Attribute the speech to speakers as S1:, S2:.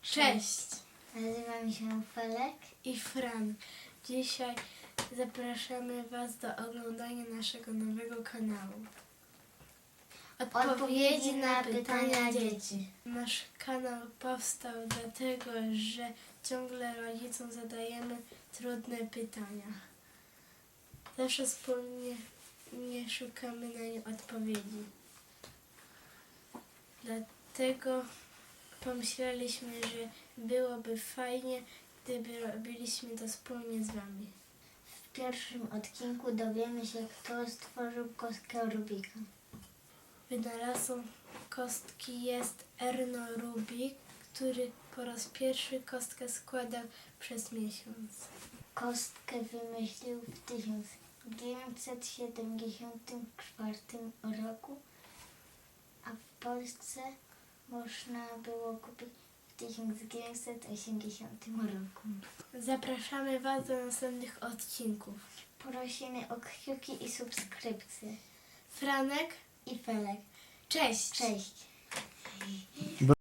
S1: Cześć!
S2: Nazywam się Felek.
S1: I Fran. Dzisiaj zapraszamy Was do oglądania naszego nowego kanału.
S2: Odpowiedzi na pytania dzieci.
S1: Nasz kanał powstał dlatego, że ciągle rodzicom zadajemy trudne pytania. Zawsze wspólnie nie szukamy na nie odpowiedzi. Dlatego pomyśleliśmy, że byłoby fajnie, gdyby robiliśmy to wspólnie z Wami.
S2: W pierwszym odcinku dowiemy się, kto stworzył kostkę Rubika.
S1: Wynalazcą kostki jest Erno Rubik, który po raz pierwszy kostkę składał przez miesiąc.
S2: Kostkę wymyślił w 1974 roku, a w Polsce można było kupić w 1980 roku.
S1: Zapraszamy Was do następnych odcinków.
S2: Prosimy o kciuki i subskrypcje.
S1: Franek
S2: I Felek.
S1: Cześć!
S2: Cześć!